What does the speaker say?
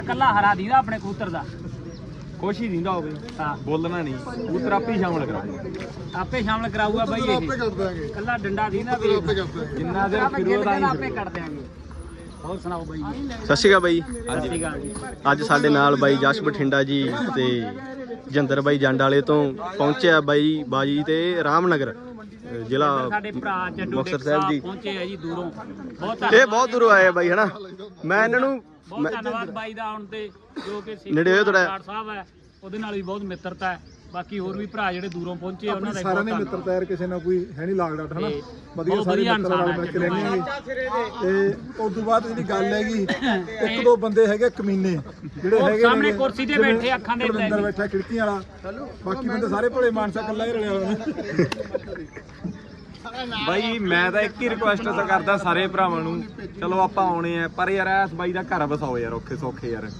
ਕੱਲਾ ਹਰਾ ਦੀਦਾ ਆਪਣੇ ਕਬੂਤਰ ਦਾ ਕੁਛ ਹੀ ਦਿੰਦਾ ਹੋਵੇ ਹਾਂ ਬੋਲਣਾ ਨਹੀਂ ਕਬੂਤਰ ਆਪੇ ਹੀ ਸ਼ਾਮਲ ਕਰਾਉਂਦੇ ਆਪੇ ਸ਼ਾਮਲ ਕਰਾਊਗਾ ਬਾਈ ਇਹ ਕੱਲਾ ਡੰਡਾ ਦੀਦਾ ਵੀ ਜਿੰਨਾ ਦੇ ਫਿਰੋ ਦਾ ਆਪੇ ਕੱਢ ਦਿਆਂਗੇ ਹੋਰ ਸੁਣਾਓ ਬਾਈ ਜੀ ਸਤਿ ਸ਼੍ਰੀ ਅਕਾਲ ਬਾਈ। ਸਤਿ ਸ਼੍ਰੀ ਅਕਾਲ ਜੀ। ਅੱਜ ਸਾਡੇ ਨਾਲ ਬਾਈ ਜਸ਼ ਬਠਿੰਡਾ ਜੀ ਤੇ ਜਿੰਦਰ ਬਾਈ ਜੰਡ ਵਾਲੇ ਤੋਂ ਪਹੁੰਚਿਆ ਬਾਈ ਬਾਜੀ ਤੇ ਰਾਮਨਗਰ ਜ਼ਿਲ੍ਹਾ ਸਾਡੇ ਭਰਾ ਜੱਡੂ ਮੁਕਤਸਰ ਡੇਕ ਸਾਹਿਬ ਜੀ। ਪਹੁੰਚੇ ਆ ਜੀ ਦੂਰੋਂ ਬਹੁਤ ਇਹ ਬਹੁਤ ਦੂਰੋਂ ਆਏ ਆ ਬਾਈ ਹਨਾ। ਮੈਂ ਇਹਨਾਂ ਨੂੰ ਬਹੁਤ ਧੰਨਵਾਦ ਬਾਈ ਦਾ ਆਉਣ ਤੇ ਜੋ ਕਿ ਨੇੜੇ ਹੋਏ ਥੋੜ੍ਹਾ। ਡਾਕਟਰ ਸਾਹਿਬ ਹੈ ਉਹਦੇ ਨਾਲ ਵੀ ਬਹੁਤ ਮਿੱਤਰਤਾ ਹੈ। ਬਾਕੀ ਹੋਰ ਵੀ ਭਰਾ ਜਿਹੜੇ ਦੂਰੋਂ ਪਹੁੰਚੇ ਆ ਉਹਨਾਂ ਦਾ ਵੀ ਸਾਰਿਆਂ ਬਹੁਤ ਨੇ ਮਿੱਤਰਤਾ ਯਾਰ ਕਿਸੇ ਨਾਲ ਕੋਈ ਹੈ ਨਹੀਂ ਲਾਗ ਡਾਟ ਹਨਾ ਤੇ ਵਧੀਆ ਬਹੁਤ ਸਾਰੇ ਵਧੀਆ ਮਿੱਤਰ ਨਾਲ ਇਨਸਾਨ ਮਿਲ ਕੇ ਹੈ। ਰਹਿੰਦੇ ਹੈਗੇ ਤੇ ਉਸ ਤੋਂ ਬਾਅਦ ਜਿਹੜੀ ਗੱਲ ਹੈਗੀ ਇੱਕ ਦੋ ਬੰਦੇ ਹੈਗੇ ਕਮੀਨੇ ਜਿਹੜੇ ਉਹ ਹੈਗੇ ਸਾਹਮਣੇ ਨੇ, ਕੁਰਸੀ ਤੇ ਜਿਵੇਂ ਬੈਠੇ ਅੱਖਾਂ ਦੇ ਲੈ ਅੰਦਰ ਕੇ। ਬੈਠਾ ਖਿੜਕੀਆਂ ਵਾਲਾ ਬਾਕੀ ਬੰਦੇ ਸਾਰੇ ਭਲੇ ਮਾਨਸਾ ਕੱਲਾ ਹੀ ਰਲਿਆ ਹੋਇਆ ਬਾਈ ਮੈਂ ਤਾਂ ਇੱਕ ਹੀ ਰਿਕੁਐਸਟ ਕਰਦਾ ਸਾਰੇ ਭਰਾਵਾਂ ਨੂੰ ਚਲੋ ਆਪਾਂ ਆਉਣੇ ਆ ਪਰ ਯਾਰ ਇਸ ਬਾਈ ਦਾ ਘਰ ਵਸਾਓ ਯਾਰ ਔਖੇ ਸੌਖੇ ਯਾਰ